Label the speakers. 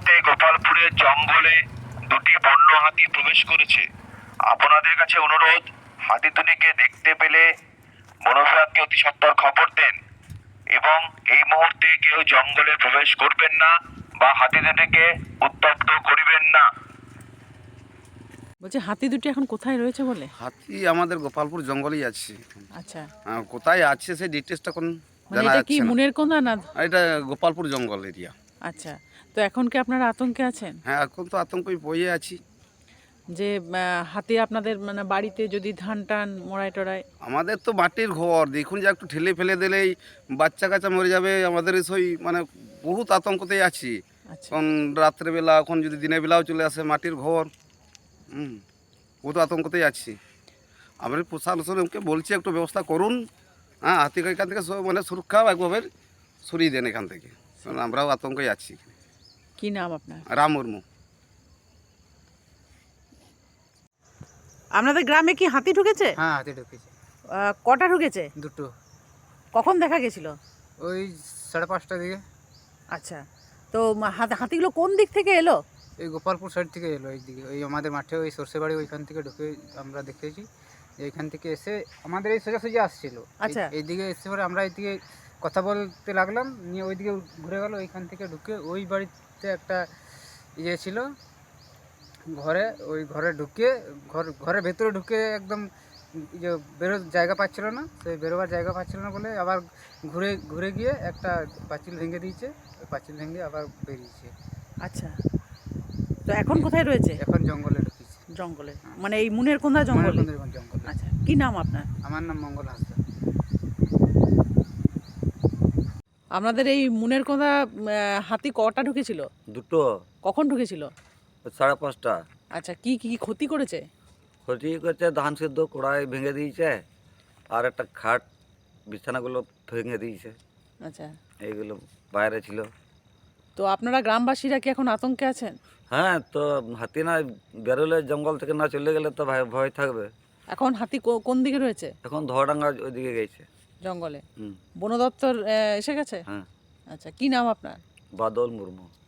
Speaker 1: মুহূর্তে গোপালপুরের জঙ্গলে দুটি বন্য হাতি প্রবেশ করেছে। আপনাদের কাছে অনুরোধ, হাতি দুটিকে দেখতে পেলে বন বিভাগকে অতি সত্বর খবর দেন এবং এই মুহূর্তে কেউ জঙ্গলে প্রবেশ করবেন না বা হাতি দুটিকে উত্তপ্ত করিবেন না।
Speaker 2: বলছি হাতি দুটি এখন কোথায় রয়েছে বলে?
Speaker 3: হাতি আমাদের গোপালপুর জঙ্গলেই আছে।
Speaker 2: আচ্ছা,
Speaker 3: কোথায় আছে সেই ডিটেলসটা কোন
Speaker 2: মানে
Speaker 3: জানা
Speaker 2: এটা কি
Speaker 3: যাচ্ছে না।
Speaker 2: মুনের কোনা না?
Speaker 3: এটা গোপালপুর জঙ্গল এরিয়া।
Speaker 2: আচ্ছা, তো এখন কি আপনারা আতঙ্কে আছেন
Speaker 3: হ্যাঁ, এখন তো আতঙ্কই বইয়ে আছি।
Speaker 2: যে হাতি আপনাদের মানে বাড়িতে যদি ধান টান মোড়ায় টোড়ায়?
Speaker 3: আমাদের তো মাটির ঘর, দেখুন যে একটু ঠেলে ফেলে দিলেই বাচ্চা কাচ্চা মরে যাবে। আমাদের সেই মানে বহুত আতঙ্কতেই আছি।
Speaker 2: আচ্ছা,
Speaker 3: এখন রাত্রেবেলা, এখন যদি দিনের বেলাও চলে আসে, মাটির ঘর, বহুত আতঙ্কতেই আছি। আমরা প্রশাসনকে বলছি একটু ব্যবস্থা করুন। হ্যাঁ, হাতিকে এখান থেকে মানে সুরক্ষা একভাবে সরিয়ে দেন এখান থেকে, কারণ আমরাও আতঙ্কেই আছি।
Speaker 2: কি নাম আপনার?
Speaker 3: রাম মুর্মু।
Speaker 2: আপনাদের গ্রামে কি হাতি ঢুকেছে?
Speaker 4: হ্যাঁ, হাতি ঢুকেছে
Speaker 2: কটা ঢুকেছে?
Speaker 4: দুটো।
Speaker 2: কখন দেখা গেছিল?
Speaker 4: ওই 5:30টার দিকে।
Speaker 2: আচ্ছা, তো হাতিগুলো কোন দিক থেকে এলো?
Speaker 4: এই গোপালপুর সাইড থেকে এলো, এই দিকে ওই আমাদের মাঠে ওই সর্ষে বাড়ি ওইখান থেকে ঢুকে আমরা দেখেছি যে এইখান থেকে এসে আমাদের এই সোজাসুজি আসছিল।
Speaker 2: আচ্ছা।
Speaker 4: এইদিকে এসে পরে আমরা এইদিকে কথা বলতে লাগলাম, নিয়ে ওইদিকে ঘুরে গেল। ওইখান থেকে ঢুকে ওই বাড়িতে একটা ইয়ে ছিল ঘরে, ওই ঘরে ঢুকে ঘরের ভেতরে ঢুকে একদম যে বেরোর জায়গা পাচ্ছিল না, সেই বেরোবার জায়গা পাচ্ছিল না বলে আবার ঘুরে ঘুরে গিয়ে একটা পাঁচিল ভেঙে দিয়েছে। ওই পাঁচিল ভেঙে আবার বেরিয়েছে।
Speaker 2: আচ্ছা, তো এখন কোথায় রয়েছে?
Speaker 4: এখন জঙ্গলে ঢুকেছে।
Speaker 2: জঙ্গলে, মানে এই মুনের কোনা জঙ্গলে?
Speaker 4: জঙ্গলে।
Speaker 2: আচ্ছা, কি নাম আপনার?
Speaker 4: আমার নাম মঙ্গল হাসদা।
Speaker 2: আপনাদের এই মুনের কোনা হাতি কটা ঢুকেছিল?
Speaker 5: দুটো।
Speaker 2: কখন ঢুকেছিল?
Speaker 5: 5:30।
Speaker 2: আচ্ছা, কি কি ক্ষতি করেছে?
Speaker 5: ক্ষতি করছে, ধান সেদ্ধ কড়াই ভেঙে দিয়েছে, আর একটা খাট বিছানাগুলো ভেঙে দিয়েছে।
Speaker 2: আচ্ছা,
Speaker 5: এইগুলো বাইরে ছিল।
Speaker 2: তো আপনারা গ্রামবাসীরা কি এখন আতঙ্কে আছেন?
Speaker 5: হ্যাঁ, তো হাতি না বেরোলে, জঙ্গল থেকে না চলে গেলে তো ভয় থাকবে।
Speaker 2: এখন হাতি কোন দিকে রয়েছে?
Speaker 5: এখন ধোয়াডাঙ্গা ওইদিকে গেছে।
Speaker 2: জঙ্গলে?
Speaker 5: হুম।
Speaker 2: বন দপ্তর এসে গেছে?
Speaker 5: হ্যাঁ।
Speaker 2: আচ্ছা, কি নাম আপনার?
Speaker 5: বাদল মুর্মু।